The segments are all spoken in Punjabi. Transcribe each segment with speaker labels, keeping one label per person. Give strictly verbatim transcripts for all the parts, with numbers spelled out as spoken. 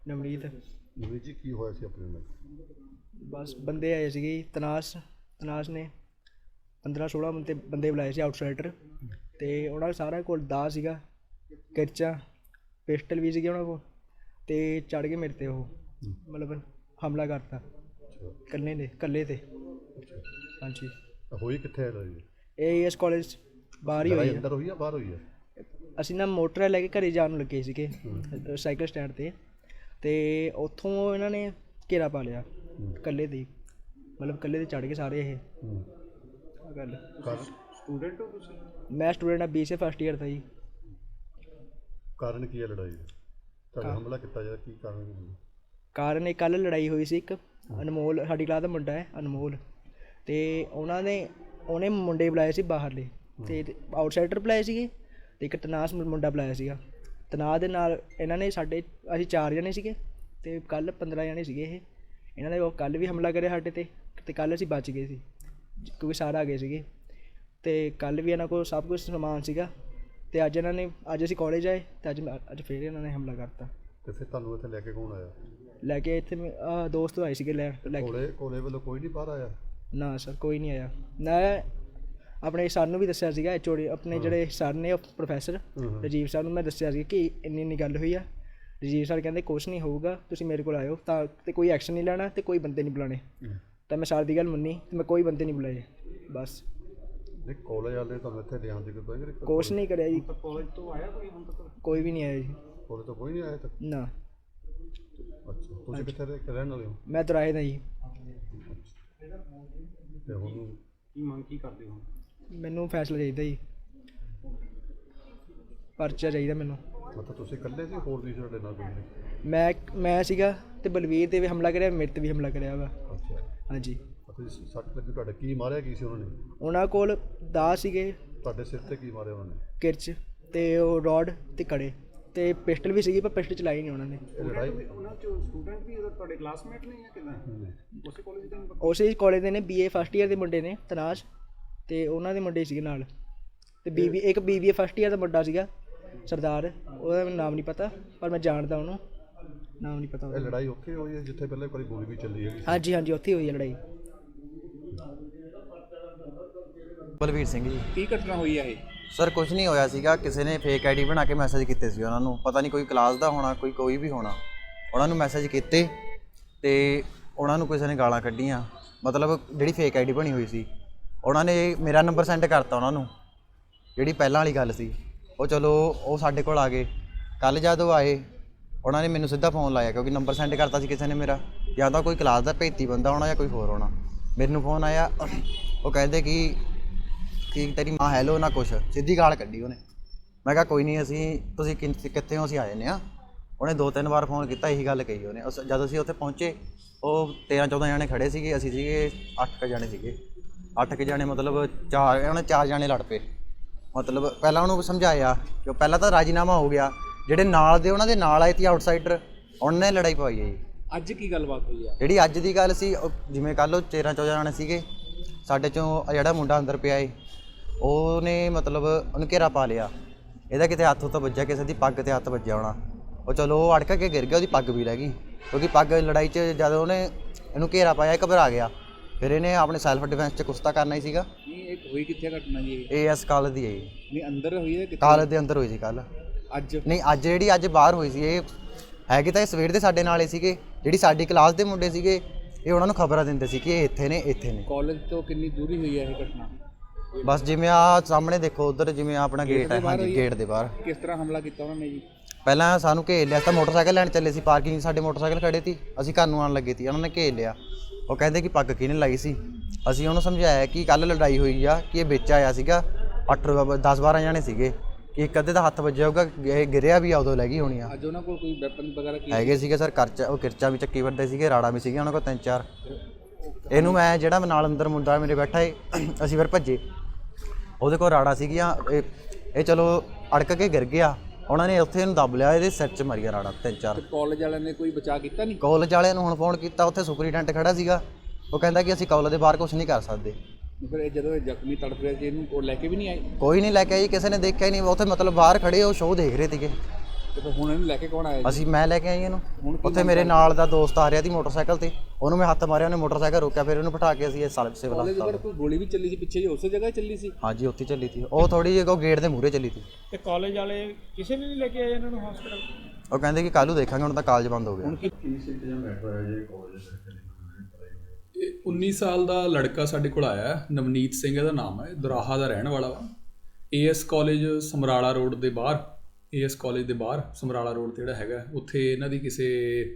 Speaker 1: ਨਵਨੀਤ।
Speaker 2: ਨਵਨੀਤ ਜੀ ਕੀ ਹੋਇਆ ਸੀ ਆਪਣੇ ਨਾਲ?
Speaker 1: ਬਸ ਬੰਦੇ ਆਏ ਸੀਗੇ ਜੀ, ਤਨਾਸ ਤਨਾਸ ਨੇ ਪੰਦਰਾਂ ਸੋਲ੍ਹਾਂ ਬੰਦੇ ਬੰਦੇ ਬੁਲਾਏ ਸੀ ਆਊਟਸਾਈਡਰ, ਅਤੇ ਉਹਨਾਂ ਸਾਰਿਆਂ ਕੋਲ ਦਾਅ ਸੀਗਾ, ਕਿਰਚਾਂ, ਪਿਸਟਲ ਵੀ ਸੀਗੇ ਉਹਨਾਂ ਕੋਲ, ਅਤੇ ਚੜ੍ਹ ਗਏ ਮੇਰੇ 'ਤੇ ਉਹ, ਮਤਲਬ ਹਮਲਾ ਕਰਤਾ ਇਕੱਲੇ ਨੇ ਇਕੱਲੇ 'ਤੇ। ਹਾਂਜੀ।
Speaker 2: ਹੋਈ ਕਿੱਥੇ ਹੈ ਲੜਾਈ?
Speaker 1: ਇਹ ਇਸ ਕਾਲਜ ਬਾਹਰ ਹੀ ਹੋਈ
Speaker 2: ਅੰਦਰ ਹੋਈ ਆ ਬਾਹਰ ਹੋਈ ਆ?
Speaker 1: ਅਸੀਂ ਨਾ ਮੋਟਰ ਲੈ ਕੇ ਘਰੇ ਜਾਣ ਨੂੰ ਲੱਗੇ ਸੀਗੇ ਸਾਈਕਲ ਸਟੈਂਡ 'ਤੇ, ਅਤੇ ਉੱਥੋਂ ਇਹਨਾਂ ਨੇ ਘੇਰਾ ਪਾ ਲਿਆ ਇਕੱਲੇ 'ਤੇ, ਮਤਲਬ ਇਕੱਲੇ 'ਤੇ ਚੜ੍ਹ ਗਏ ਸਾਰੇ। ਇਹ ਗੱਲ
Speaker 2: ਸਟੂਡੈਂਟ ਹੋ ਤੁਸੀਂ?
Speaker 1: ਮੈਂ ਸਟੂਡੈਂਟ ਹਾਂ, B C A first year ਦਾ ਜੀ।
Speaker 2: ਕਾਰਨ ਕੀ ਹੈ ਲੜਾਈ? ਤੁਹਾਡਾ ਹਮਲਾ ਕੀਤਾ ਜਾਂਦਾ ਕੀ ਕਾਰਨ?
Speaker 1: ਕਾਰਨ ਇਹ ਕੱਲ੍ਹ ਲੜਾਈ ਹੋਈ ਸੀ, ਇੱਕ ਅਨਮੋਲ ਸਾਡੀ ਕਲਾਸ ਦਾ ਮੁੰਡਾ ਹੈ ਅਨਮੋਲ, ਅਤੇ ਉਹਨਾਂ ਨੇ ਉਹਨੇ ਮੁੰਡੇ ਬੁਲਾਏ ਸੀ ਬਾਹਰਲੇ, ਅਤੇ ਆਊਟਸਾਈਡਰ ਬੁਲਾਏ ਸੀਗੇ, ਅਤੇ ਇੱਕ ਤਨਾਸ ਮੁੰਡਾ ਬੁਲਾਇਆ ਸੀਗਾ। ਤਨਾਸ ਦੇ ਨਾਲ ਇਹਨਾਂ ਨੇ ਸਾਡੇ ਅਸੀਂ ਚਾਰ ਜਣੇ ਸੀਗੇ, ਅਤੇ ਕੱਲ੍ਹ ਪੰਦਰਾਂ ਜਣੇ ਸੀਗੇ ਇਹ। ਇਹਨਾਂ ਨੇ ਉਹ ਕੱਲ੍ਹ ਵੀ ਹਮਲਾ ਕਰਿਆ ਸਾਡੇ 'ਤੇ, ਅਤੇ ਕੱਲ੍ਹ ਅਸੀਂ ਬਚ ਗਏ ਸੀ ਕਿਉਂਕਿ ਸਾਰੇ ਆ ਗਏ ਸੀਗੇ, ਅਤੇ ਕੱਲ੍ਹ ਵੀ ਇਹਨਾਂ ਕੋਲ ਸਭ ਕੁਛ ਸਮਾਨ ਸੀਗਾ, ਅਤੇ ਅੱਜ ਇਹਨਾਂ ਨੇ ਅੱਜ ਅਸੀਂ ਕਾਲਜ ਆਏ, ਅਤੇ ਅੱਜ ਅੱਜ ਫਿਰ ਇਹਨਾਂ ਨੇ ਹਮਲਾ ਕਰਤਾ।
Speaker 2: ਅਤੇ ਫਿਰ ਤੁਹਾਨੂੰ ਇੱਥੇ ਲੈ ਕੇ ਕੌਣ ਆਇਆ?
Speaker 1: ਲੈ ਕੇ ਇੱਥੇ ਦੋਸਤ ਆਏ ਸੀਗੇ ਲੈ ਲੈ ਕੇ।
Speaker 2: ਕੋਲੇ ਕੋਲੇ ਵੱਲੋਂ ਕੋਈ ਨਹੀਂ ਬਾਹਰ ਆਇਆ?
Speaker 1: ਨਾ ਸਰ, ਕੋਈ ਨਹੀਂ ਆਇਆ। ਮੈਂ ਆਪਣੇ ਸਰ ਨੂੰ ਵੀ ਦੱਸਿਆ ਸੀਗਾ, ਐਚ ਓ ਡੀ ਆਪਣੇ ਜਿਹੜੇ ਸਰ ਨੇ ਪ੍ਰੋਫੈਸਰ ਰਾਜੀਵ ਸਰ ਨੂੰ ਮੈਂ ਦੱਸਿਆ ਸੀ ਕਿ ਇੰਨੀ ਇੰਨੀ ਗੱਲ ਹੋਈ ਆ। ਰਾਜੀਵ ਸਰ ਕਹਿੰਦੇ ਕੁਛ ਨਹੀਂ ਹੋਊਗਾ, ਤੁਸੀਂ ਮੇਰੇ ਕੋਲ ਆਇਓ ਤਾਂ, ਅਤੇ ਕੋਈ ਐਕਸ਼ਨ ਨਹੀਂ ਲੈਣਾ ਅਤੇ ਕੋਈ ਬੰਦੇ ਨਹੀਂ ਬੁਲਾਉਣੇ। ਤਾਂ ਮੈਂ ਸਰ ਦੀ ਗੱਲ ਮੰਨੀ ਅਤੇ ਮੈਂ ਕੋਈ ਬੰਦੇ ਨਹੀਂ ਬੁਲਾਏ ਬਸ।
Speaker 2: ਨਹੀਂ ਕਾਲਜ ਵਾਲੇ ਤੁਹਾਨੂੰ ਇੱਥੇ ਲਿਆਉਣ ਦੀ ਕੋਈ
Speaker 1: ਕੁਛ ਨਹੀਂ ਕਰਿਆ ਜੀ।
Speaker 2: ਕਾਲਜ ਤੋਂ ਆਇਆ ਕੋਈ ਹੁਣ ਤੱਕ?
Speaker 1: ਕੋਈ ਵੀ ਨਹੀਂ ਆਇਆ ਜੀ।
Speaker 2: ਕਾਲਜ ਤੋਂ ਕੋਈ ਨਹੀਂ ਆਇਆ ਤੱਕ?
Speaker 1: ਨਾ।
Speaker 2: ਅੱਛਾ, ਤੁਸੀਂ ਕਿੱਥੇ ਰਹਿਣ ਵਾਲੇ ਹੋ?
Speaker 1: ਮੈਂ ਦੁਰਾਹੇ ਦਾ ਜੀ।
Speaker 2: ਅਤੇ ਹੁਣ ਕੀ ਮੰਗ ਕੀ ਕਰਦੇ ਹੋ?
Speaker 1: ਮੈਨੂੰ ਫੈਸਲਾ ਚਾਹੀਦਾ ਜੀ, ਪਰਚਾ ਚਾਹੀਦਾ ਮੈਨੂੰ।
Speaker 2: ਮਤਲਬ ਤੁਸੀਂ ਇਕੱਲੇ ਸੀ, ਹੋਰ ਵੀ ਤੁਹਾਡੇ ਨਾਲ ਕੋਈ?
Speaker 1: ਮੈਂ ਮੈਂ ਸੀਗਾ, ਅਤੇ ਬਲਵੀਰ 'ਤੇ ਵੀ ਹਮਲਾ ਕਰਿਆ, ਮੇਰੇ 'ਤੇ ਵੀ ਹਮਲਾ ਕਰਿਆ ਵਾ।
Speaker 2: ਅੱਛਾ।
Speaker 1: ਹਾਂਜੀ।
Speaker 2: ਤੁਸੀਂ ਸੱਟ ਲੱਗੀ ਤੁਹਾਡੇ? ਕੀ ਮਾਰਿਆ ਕੀ ਸੀ ਉਹਨਾਂ ਨੇ?
Speaker 1: ਉਹਨਾਂ ਕੋਲ ਦਾਅ ਸੀਗੇ।
Speaker 2: ਤੁਹਾਡੇ ਸਿਰ 'ਤੇ ਕੀ ਮਾਰਿਆ ਉਹਨਾਂ ਨੇ?
Speaker 1: ਕਿਰਚ ਅਤੇ ਉਹ ਰੋਡ ਅਤੇ ਕੜੇ, ਅਤੇ ਪਿਸਟਲ ਵੀ ਸੀਗੀ, ਪਰ ਪਿਸਟਲ ਚਲਾਈ ਨਹੀਂ ਉਹਨਾਂ ਨੇ।
Speaker 2: ਲੜਾਈ
Speaker 3: ਉਹਨਾਂ 'ਚੋਂ ਸਟੂਡੈਂਟ ਵੀ ਤੁਹਾਡੇ ਕਲਾਸਮੇਟ ਨੇ ਜਾਂ ਕਿੱਦਾਂ? ਉਸੇ ਕਾਲਜ ਦੇ ਨੇ?
Speaker 1: ਉਸੇ ਕਾਲਜ ਦੇ ਨੇ, ਬੀ ਏ ਫਸਟ ਈਅਰ ਦੇ ਮੁੰਡੇ ਨੇ ਤਨਾਸ਼, ਅਤੇ ਉਹਨਾਂ ਦੇ ਮੁੰਡੇ ਸੀਗੇ ਨਾਲ, ਅਤੇ ਬੀ ਬੀ ਇੱਕ B B A first year ਦਾ ਮੁੰਡਾ ਸੀਗਾ ਸਰਦਾਰ, ਉਹਦਾ ਮੈਨੂੰ ਨਾਮ ਨਹੀਂ ਪਤਾ, ਪਰ ਮੈਂ ਜਾਣਦਾ ਉਹਨੂੰ, ਨਾਮ ਨਹੀਂ ਪਤਾ।
Speaker 2: ਇਹ ਲੜਾਈ ਉੱਥੇ ਹੋਈ ਹੈ ਜਿੱਥੇ ਪਹਿਲਾਂ ਕੋਈ ਗੋਲੀ ਵੀ ਚੱਲੀ ਹੈਗੀ?
Speaker 1: ਹਾਂਜੀ ਹਾਂਜੀ, ਉੱਥੇ ਹੋਈ ਹੈ ਲੜਾਈ।
Speaker 4: ਬਲਵੀਰ ਸਿੰਘ ਜੀ।
Speaker 3: ਕੀ ਘਟਨਾ ਹੋਈ ਹੈ ਇਹ?
Speaker 4: ਸਰ ਕੁਝ ਨਹੀਂ ਹੋਇਆ ਸੀਗਾ, ਕਿਸੇ ਨੇ ਫੇਕ ਆਈਡੀ ਬਣਾ ਕੇ ਮੈਸੇਜ ਕੀਤੇ ਸੀ ਉਹਨਾਂ ਨੂੰ, ਪਤਾ ਨਹੀਂ ਕੋਈ ਕਲਾਸ ਦਾ ਹੋਣਾ, ਕੋਈ ਕੋਈ ਵੀ ਹੋਣਾ, ਉਹਨਾਂ ਨੂੰ ਮੈਸੇਜ ਕੀਤੇ ਅਤੇ ਉਹਨਾਂ ਨੂੰ ਕਿਸੇ ਨੇ ਗਾਲਾਂ ਕੱਢੀਆਂ। ਮਤਲਬ ਜਿਹੜੀ ਫੇਕ ਆਈਡੀ ਬਣੀ ਹੋਈ ਸੀ, ਉਹਨਾਂ ਨੇ ਮੇਰਾ ਨੰਬਰ ਸੈਂਡ ਕਰਤਾ ਉਹਨਾਂ ਨੂੰ, ਜਿਹੜੀ ਪਹਿਲਾਂ ਵਾਲੀ ਗੱਲ ਸੀ। ਉਹ ਚਲੋ ਉਹ ਸਾਡੇ ਕੋਲ ਆ ਗਏ, ਕੱਲ੍ਹ ਜਦੋਂ ਆਏ ਉਹਨਾਂ ਨੇ ਮੈਨੂੰ ਸਿੱਧਾ ਫੋਨ ਲਾਇਆ, ਕਿਉਂਕਿ ਨੰਬਰ ਸੈਂਡ ਕਰਤਾ ਸੀ ਕਿਸੇ ਨੇ ਮੇਰਾ, ਜਾਂ ਤਾਂ ਕੋਈ ਕਲਾਸ ਦਾ ਭੇਤੀ ਬੰਦਾ ਹੋਣਾ ਜਾਂ ਕੋਈ ਹੋਰ ਹੋਣਾ। ਮੈਨੂੰ ਫੋਨ ਆਇਆ, ਉਹ ਕਹਿੰਦੇ ਕਿ ਕਿ ਤੇਰੀ ਮਾਂ ਹੈਲੋ ਨਾ ਕੁਛ, ਸਿੱਧੀ ਗਾਲ ਕੱਢੀ ਉਹਨੇ। ਮੈਂ ਕਿਹਾ ਕੋਈ ਨਹੀਂ, ਅਸੀਂ ਤੁਸੀਂ ਕਿੱਥੇ ਹੋ? ਅਸੀਂ ਆ ਜਾਂਦੇ ਹਾਂ। ਉਹਨੇ ਦੋ ਤਿੰਨ ਵਾਰ ਫੋਨ ਕੀਤਾ, ਇਹੀ ਗੱਲ ਕਹੀ ਉਹਨੇ। ਉਸ ਜਦੋਂ ਅਸੀਂ ਉੱਥੇ ਪਹੁੰਚੇ, ਉਹ ਤੇਰ੍ਹਾਂ ਚੌਦ੍ਹਾਂ ਜਣੇ ਖੜ੍ਹੇ ਸੀਗੇ, ਅਸੀਂ ਸੀਗੇ ਅੱਠ ਕੁ ਜਣੇ ਸੀਗੇ। ਅੱਠ ਕੁ ਜਣੇ ਮਤਲਬ ਚਾਰ ਉਹਨੇ ਚਾਰ ਜਣੇ ਲੜ ਪਏ। ਮਤਲਬ ਪਹਿਲਾਂ ਉਹਨੂੰ ਸਮਝਾਇਆ ਕਿ ਪਹਿਲਾਂ ਤਾਂ ਰਾਜੀਨਾਮਾ ਹੋ ਗਿਆ, ਜਿਹੜੇ ਨਾਲ ਦੇ ਉਹਨਾਂ ਦੇ ਨਾਲ ਆਏ ਸੀ ਆਊਟਸਾਈਡਰ, ਉਹਨਾਂ ਨੇ ਲੜਾਈ ਪਵਾਈ ਹੈ ਜੀ।
Speaker 3: ਅੱਜ ਕੀ ਗੱਲਬਾਤ ਹੋਈ ਆ?
Speaker 4: ਜਿਹੜੀ ਅੱਜ ਦੀ ਗੱਲ ਸੀ, ਜਿਵੇਂ ਕੱਲ੍ਹ ਉਹ ਤੇਰ੍ਹਾਂ ਚੌਦ੍ਹਾਂ ਜਣੇ ਸੀਗੇ, ਸਾਡੇ 'ਚੋਂ ਜਿਹੜਾ ਮੁੰਡਾ ਅੰਦਰ ਪਿਆ ਏ, ਉਹਨੇ ਮਤਲਬ ਉਹਨੂੰ ਘੇਰਾ ਪਾ ਲਿਆ, ਇਹਦਾ ਕਿਤੇ ਹੱਥ ਉੱਤੇ ਵੱਜਿਆ, ਕਿਸੇ ਦੀ ਪੱਗ 'ਤੇ ਹੱਥ ਵੱਜਿਆ ਹੋਣਾ। ਉਹ ਚਲੋ ਉਹ ਅੜਕ ਕੇ ਗਿਰ ਗਿਆ, ਉਹਦੀ ਪੱਗ ਵੀ ਰਹਿ ਗਈ, ਕਿਉਂਕਿ ਪੱਗ ਲੜਾਈ 'ਚ ਜਦ ਉਹਨੇ ਇਹਨੂੰ ਘੇਰਾ ਪਾਇਆ, ਇਹ ਘਬਰਾ ਗਿਆ, ਫਿਰ ਇਹਨੇ ਆਪਣੇ ਸੈਲਫ ਡਿਫੈਂਸ 'ਚ ਕੁਛ ਤਾਂ ਕਰਨਾ ਹੀ ਸੀਗਾ।
Speaker 3: ਨਹੀਂ ਇਹ ਹੋਈ ਕਿੱਥੇ ਘਟਨਾ ਜੀ?
Speaker 4: ਇਹ ਇਸ ਕਾਲਜ ਦੀ ਹੈ ਜੀ।
Speaker 3: ਨਹੀਂ ਅੰਦਰ ਹੋਈ ਹੈ ਕਿੱਥੇ?
Speaker 4: ਕਾਲਜ ਦੇ ਅੰਦਰ ਹੋਈ ਸੀ ਕੱਲ੍ਹ।
Speaker 3: ਅੱਜ
Speaker 4: ਨਹੀਂ, ਅੱਜ ਜਿਹੜੀ ਅੱਜ ਬਾਹਰ ਹੋਈ ਸੀ, ਇਹ ਹੈਗੇ ਤਾਂ ਇਹ ਸਵੇਰ ਦੇ ਸਾਡੇ ਨਾਲ ਹੀ ਸੀਗੇ, ਜਿਹੜੀ ਸਾਡੀ ਕਲਾਸ ਦੇ ਮੁੰਡੇ ਸੀਗੇ, ਇਹ ਉਹਨਾਂ ਨੂੰ ਖਬਰਾਂ ਦਿੰਦੇ ਸੀ ਕਿ ਇਹ ਇੱਥੇ ਨੇ ਇੱਥੇ ਨੇ।
Speaker 3: ਕਾਲਜ ਤੋਂ ਕਿੰਨੀ ਦੂਰੀ ਹੋਈ ਹੈ ਇਹ ਘਟਨਾ?
Speaker 4: ਬਸ ਜਿਵੇਂ ਆ ਸਾਹਮਣੇ ਦੇਖੋ ਉੱਧਰ, ਜਿਵੇਂ ਆਪਣਾ ਗੇਟ ਹੈ, ਹਾਂਜੀ ਗੇਟ ਦੇ ਬਾਹਰ।
Speaker 3: ਕਿਸ ਤਰ੍ਹਾਂ ਹਮਲਾ ਕੀਤਾ ਉਹਨਾਂ ਨੇ ਜੀ?
Speaker 4: ਪਹਿਲਾਂ ਸਾਨੂੰ ਘੇਰ ਲਿਆ, ਤਾਂ ਮੋਟਰਸਾਈਕਲ ਲੈਣ ਚੱਲੇ ਸੀ, ਪਾਰਕਿੰਗ ਸਾਡੇ ਮੋਟਰਸਾਈਕਲ ਖੜੇ ਸੀ, ਅਸੀਂ ਘਰ ਨੂੰ ਆਉਣ ਲੱਗੇ ਸੀ, ਉਹਨਾਂ ਨੇ ਘੇਰ ਲਿਆ। ਉਹ ਕਹਿੰਦੇ ਕਿ ਪੱਗ ਕਿਹਨੇ ਲਾਈ ਸੀ। ਅਸੀਂ ਉਹਨੂੰ ਸਮਝਾਇਆ ਕਿ ਕੱਲ੍ਹ ਲੜਾਈ ਹੋਈ ਆ, ਕਿ ਇਹ ਵਿੱਚ ਆਇਆ ਸੀਗਾ, ਅੱਠ ਦਸ ਬਾਰਾਂ ਜਣੇ ਸੀਗੇ, ਕਿ ਇੱਕ ਅੱਧੇ ਦਾ ਹੱਥ ਵੱਜਿਆ ਹੋਊਗਾ, ਇਹ ਗਿਰਿਆ ਵੀ ਆ, ਉਦੋਂ ਲੈ ਗਈ ਹੋਣੀ ਆ।
Speaker 3: ਅੱਜ ਉਹਨਾਂ ਕੋਲ ਕੋਈ ਵੈਪਨ ਵਗੈਰਾ ਕੀ
Speaker 4: ਹੈਗੇ ਸੀਗੇ ਸਰ, ਕਰਚਾ ਉਹ ਕਿਰਚਾ ਵੀ ਚੱਕੀ ਵੱਡੇ ਸੀਗੇ, ਰਾੜਾ ਵੀ ਸੀਗੇ ਉਹਨਾਂ ਕੋਲ ਤਿੰਨ ਚਾਰ। ਇਹਨੂੰ ਮੈਂ ਜਿਹੜਾ ਨਾਲ ਅੰਦਰ ਮੁੰਡਾ ਮੇਰੇ ਬੈਠਾ ਏ, ਅਸੀਂ ਫਿਰ ਭੱਜੇ, ਉਹਦੇ ਕੋਲ ਰਾੜਾ ਸੀਗੀਆਂ, ਇਹ ਇਹ ਚਲੋ ਅੜਕ ਕੇ ਗਿਰ ਗਿਆ, ਉਹਨਾਂ ਨੇ ਉੱਥੇ ਇਹਨੂੰ ਦੱਬ ਲਿਆ, ਇਹਦੇ ਸਿਰ 'ਚ ਮਾਰੀਆ ਰਾੜਾ ਤਿੰਨ ਚਾਰ।
Speaker 3: ਕਾਲਜ ਵਾਲਿਆਂ ਨੇ ਕੋਈ ਬਚਾਅ ਕੀਤਾ ਨਹੀਂ?
Speaker 4: ਕਾਲਜ ਵਾਲਿਆਂ ਨੂੰ ਹੁਣ ਫੋਨ ਕੀਤਾ, ਉੱਥੇ ਸੁਪਰੀਡੈਂਟ ਖੜਾ ਸੀਗਾ, ਉਹ ਕਹਿੰਦਾ ਕਿ ਅਸੀਂ ਕਾਲਜ ਦੇ ਬਾਹਰ ਕੁਛ ਨਹੀਂ ਕਰ ਸਕਦੇ।
Speaker 3: ਫਿਰ ਇਹ ਜਦੋਂ ਇਹ ਜ਼ਖਮੀ ਤੜਫ ਰਿਹਾ ਸੀ, ਇਹਨੂੰ ਉਹ ਲੈ ਕੇ ਵੀ ਨਹੀਂ ਆਏ?
Speaker 4: ਕੋਈ ਨਹੀਂ ਲੈ ਕੇ ਆਈ, ਕਿਸੇ ਨੇ ਦੇਖਿਆ ਹੀ ਨਹੀਂ ਉੱਥੇ, ਮਤਲਬ ਬਾਹਰ ਖੜੇ ਉਹ ਸ਼ੋਅ ਦੇਖ ਰਹੇ ਸੀਗੇ।
Speaker 3: ਤੇ ਫਿਰ ਹੁਣ ਇਹਨੂੰ ਲੈ ਕੇ ਕੌਣ ਆਇਆ ਜੀ?
Speaker 4: ਅਸੀਂ ਮੈਂ ਲੈ ਕੇ ਆਈ ਇਹਨੂੰ। ਉੱਥੇ ਮੇਰੇ ਨਾਲ ਦਾ ਦੋਸਤ ਆ ਰਿਹਾ ਸੀ ਮੋਟਰਸਾਈਕਲ ਤੇ, ਉਹਨੂੰ ਮੈਂ ਹੱਥ ਮਾਰਿਆ, ਉਹਨੇ ਮੋਟਰਸਾਈਕਲ ਰੋਕਿਆ, ਫਿਰ ਉਹਨੂੰ ਬਿਠਾ ਕੇ ਅਸੀਂ ਇਹ ਸਾਲ ਸਿਵਲ
Speaker 3: ਕਾਲਜ
Speaker 4: ਹਸਪਤਾਲ।
Speaker 3: ਦੇ ਕੋਈ ਗੋਲੀ ਵੀ ਚੱਲੀ ਸੀ ਪਿੱਛੇ ਜੀ, ਉਸੇ ਜਗ੍ਹਾ ਹੀ ਚੱਲੀ ਸੀ?
Speaker 4: ਹਾਂਜੀ ਉੱਥੇ ਚੱਲੀ ਸੀ ਉਹ, ਥੋੜੀ ਜਿਹੀ ਉਹ ਗੇਟ ਦੇ ਮੂਹਰੇ ਚੱਲੀ ਸੀ।
Speaker 5: ਤੇ ਕਾਲਜ ਵਾਲੇ ਕਿਸੇ ਨੇ ਨਹੀਂ ਲੈ ਕੇ ਆਏ ਇਹਨਾਂ ਨੂੰ ਹਸਪੀਟਲ?
Speaker 4: ਉਹ ਕਹਿੰਦੇ ਕਿ ਕੱਲ੍ਹ ਨੂੰ ਦੇਖਾਂਗੇ, ਹੁਣ ਤਾਂ ਕਾਲਜ ਬੰਦ ਹੋ ਗਿਆ।
Speaker 6: ਇਹ ਉੱਨੀ ਸਾਲ ਦਾ ਲੜਕਾ ਸਾਡੇ ਕੋਲ ਆਇਆ ਹੈ, ਨਵਨੀਤ ਸਿੰਘ ਇਹਦਾ ਨਾਮ ਹੈ, ਦੁਰਾਹਾ ਦਾ ਰਹਿਣ ਵਾਲਾ ਵਾ। ਏਐਸ ਕਾਲਜ ਸਮਰਾਲਾ ਰੋਡ ਦੇ ਬਾਹਰ, ਏਐਸ ਕਾਲਜ ਦੇ ਬਾਹਰ ਸਮਰਾਲਾ ਰੋਡ ਤੇ ਜਿਹੜਾ ਹੈਗਾ, ਉੱਥੇ ਇਹਨਾਂ ਦੀ ਕਿਸੇ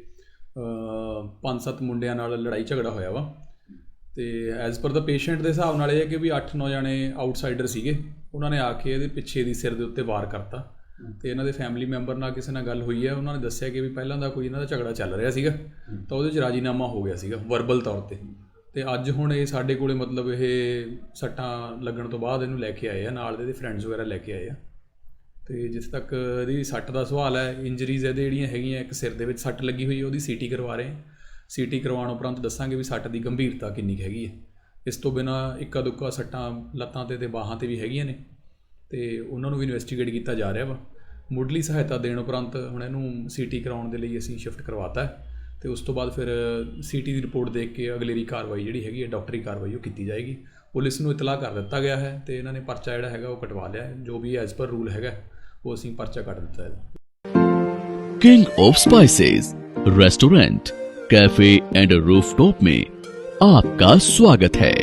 Speaker 6: ਪੰਜ ਸੱਤ ਮੁੰਡਿਆਂ ਨਾਲ ਲੜਾਈ ਝਗੜਾ ਹੋਇਆ ਵਾ। ਤੇ ਐਜ਼ ਪਰ ਦਾ ਪੇਸ਼ੈਂਟ ਦੇ ਹਿਸਾਬ ਨਾਲ ਇਹ ਹੈ ਕਿ ਵੀ ਅੱਠ ਨੌ ਜਣੇ ਆਊਟਸਾਈਡਰ ਸੀਗੇ, ਉਹਨਾਂ ਨੇ ਆ ਕੇ ਇਹਦੇ ਪਿੱਛੇ ਦੀ ਸਿਰ ਦੇ ਉੱਤੇ ਵਾਰ ਕਰਤਾ। ਤੇ ਇਹਨਾਂ ਦੇ ਫੈਮਿਲੀ ਮੈਂਬਰ ਨਾਲ ਕਿਸੇ ਨਾਲ ਗੱਲ ਹੋਈ ਹੈ, ਉਹਨਾਂ ਨੇ ਦੱਸਿਆ ਕਿ ਵੀ ਪਹਿਲਾਂ ਦਾ ਕੋਈ ਇਹਨਾਂ ਦਾ ਝਗੜਾ ਚੱਲ ਰਿਹਾ ਸੀਗਾ, ਤਾਂ ਉਹਦੇ 'ਚ ਰਾਜੀਨਾਮਾ ਹੋ ਗਿਆ ਸੀਗਾ ਵਰਬਲ ਤੌਰ 'ਤੇ। ਤੇ ਅੱਜ ਹੁਣ ਇਹ ਸਾਡੇ ਕੋਲੇ ਮਤਲਬ ਇਹ ਸੱਟਾਂ ਲੱਗਣ ਤੋਂ ਬਾਅਦ ਇਹਨੂੰ ਲੈ ਕੇ ਆਏ ਆ, ਨਾਲ ਦੇ ਇਹਦੇ ਫਰੈਂਡਸ ਵਗੈਰਾ ਲੈ ਕੇ ਆਏ ਆ। ਤੇ ਜਿੱਥੇ ਤੱਕ ਇਹਦੀ ਸੱਟ ਦਾ ਸਵਾਲ ਹੈ, ਇੰਜਰੀਜ਼ ਇਹਦੇ ਜਿਹੜੀਆਂ ਹੈਗੀਆਂ, ਇੱਕ ਸਿਰ ਦੇ ਵਿੱਚ ਸੱਟ ਲੱਗੀ ਹੋਈ ਹੈ, ਉਹਦੀ ਸੀਟੀ ਕਰਵਾ ਰਹੇ ਹਾਂ। ਸੀਟੀ ਕਰਵਾਉਣ ਉਪਰੰਤ ਦੱਸਾਂਗੇ ਵੀ ਸੱਟ ਦੀ ਗੰਭੀਰਤਾ ਕਿੰਨੀ ਕੁ ਹੈਗੀ ਹੈ। ਇਸ ਤੋਂ ਬਿਨਾਂ ਇੱਕਾ ਦੁੱਕਾ ਸੱਟਾਂ ਲੱਤਾਂ 'ਤੇ ਤੇ ਬਾਹਾਂ 'ਤੇ ਵੀ ਹੈਗੀਆਂ ਨੇ, ਤੇ ਉਹਨਾਂ ਨੂੰ ਵੀ ਇਨਵੈਸਟੀਗੇਟ ਕੀਤਾ ਜਾ ਰਿਹਾ ਵਾ। ਮੁੱਢਲੀ ਸਹਾਇਤਾ ਦੇਣ ਉਪਰੰਤ ਹੁਣ ਇਹਨੂੰ ਸੀਟੀ ਕਰਾਉਣ ਦੇ ਲਈ ਅਸੀਂ ਸ਼ਿਫਟ ਕਰਵਾਤਾ ਹੈ, ਤੇ ਉਸ ਤੋਂ ਬਾਅਦ ਫਿਰ ਸੀਟੀ ਦੀ ਰਿਪੋਰਟ ਦੇਖ ਕੇ ਅਗਲੇਰੀ ਕਾਰਵਾਈ ਜਿਹੜੀ ਹੈਗੀ ਹੈ, ਡਾਕਟਰੀ ਕਾਰਵਾਈ ਉਹ ਕੀਤੀ ਜਾਏਗੀ। ਪੁਲਿਸ ਨੂੰ ਇਤਲਾਹ ਕਰ ਦਿੱਤਾ ਗਿਆ ਹੈ, ਤੇ ਇਹਨਾਂ ਨੇ ਪਰਚਾ ਜਿਹੜਾ ਹੈਗਾ ਉਹ ਕਟਵਾ ਲਿਆ ਹੈ। ਜੋ ਵੀ ਐਜ਼ ਪਰ ਰੂਲ ਹੈਗਾ ਉਹ ਅਸੀਂ ਪਰਚਾ ਕੱਟ ਦਿੱਤਾ ਹੈ।
Speaker 7: King of spices restaurant, cafe and rooftop में आपका स्वागत है।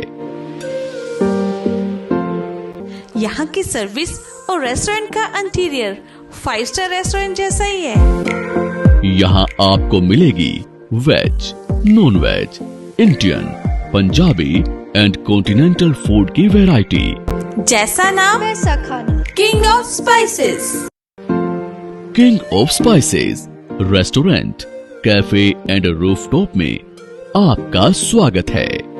Speaker 8: यहाँ की सर्विस और रेस्टोरेंट का इंटीरियर फाइव स्टार रेस्टोरेंट जैसा ही है।
Speaker 7: यहाँ आपको मिलेगी veg, non veg, Indian, Punjabi and continental food की वैरायटी।
Speaker 8: जैसा नाम वैसा खाना। King of spices.
Speaker 7: King of spices restaurant, cafe and rooftop में आपका स्वागत है।